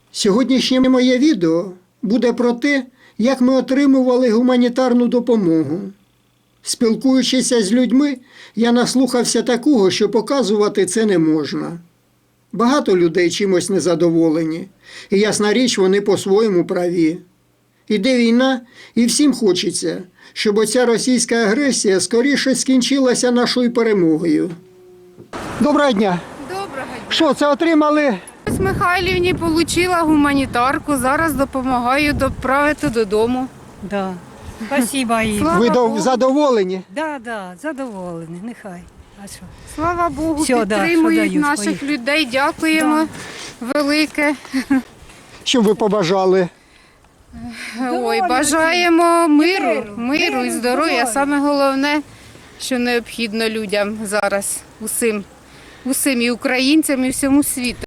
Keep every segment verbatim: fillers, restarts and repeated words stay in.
Сьогоднішнє моє відео буде про те, як ми отримували гуманітарну допомогу. Спілкуючися з людьми, я наслухався такого, що показувати це не можна. Багато людей чимось незадоволені, і ясна річ, вони по-своєму праві. Іде війна, і всім хочеться, щоб оця російська агресія скоріше скінчилася нашою перемогою. Доброго дня! Доброго дня. Що, це отримали? Ось Михайлівні отримала гуманітарку, зараз допомагаю доправити додому. Да. Спасибо їй. Слава Ви Богу. до- задоволені? Да, да, задоволені, нехай. А що? Слава Богу, Всьо, да, підтримують що дають, наших поїхали. людей. Дякуємо велике. Що б ви побажали? Ой, бажаємо миру, миру і здоров'я. Саме головне, що необхідно людям зараз, усім, усім і українцям, і всьому світу.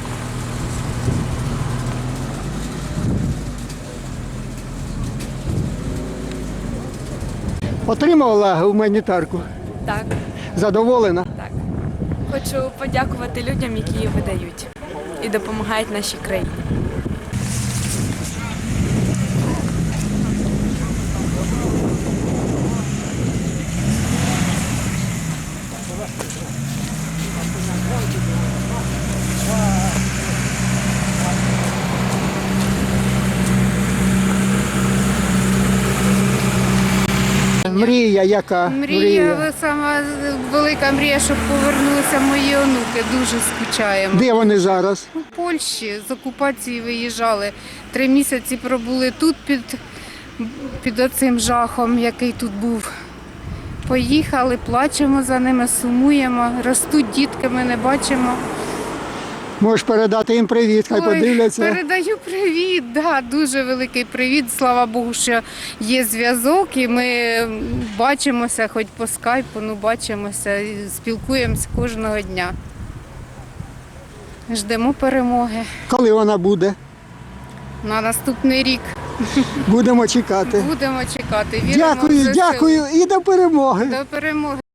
Отримувала гуманітарку? Так, Задоволена? так. Хочу подякувати людям, які її видають і допомагають нашій країні. Мрія яка? Мрія, сама велика мрія, щоб повернулися мої онуки. Дуже скучаємо. Де вони зараз? У Польщі з окупації виїжджали. Три місяці пробули тут під, під оцим жахом, який тут був. Поїхали, плачемо за ними, сумуємо. Ростуть дітки, ми не бачимо. Можеш передати їм привіт, хай Ой, подивляться. передаю привіт, да, дуже великий привіт. Слава Богу, що є зв'язок і ми бачимося, хоч по скайпу, ну бачимося, і спілкуємося кожного дня. Ждемо перемоги Коли вона буде? на наступний рік. Будемо чекати. Будемо чекати. Віримо в Дякую, ЗСУ. дякую і до перемоги. До перемоги.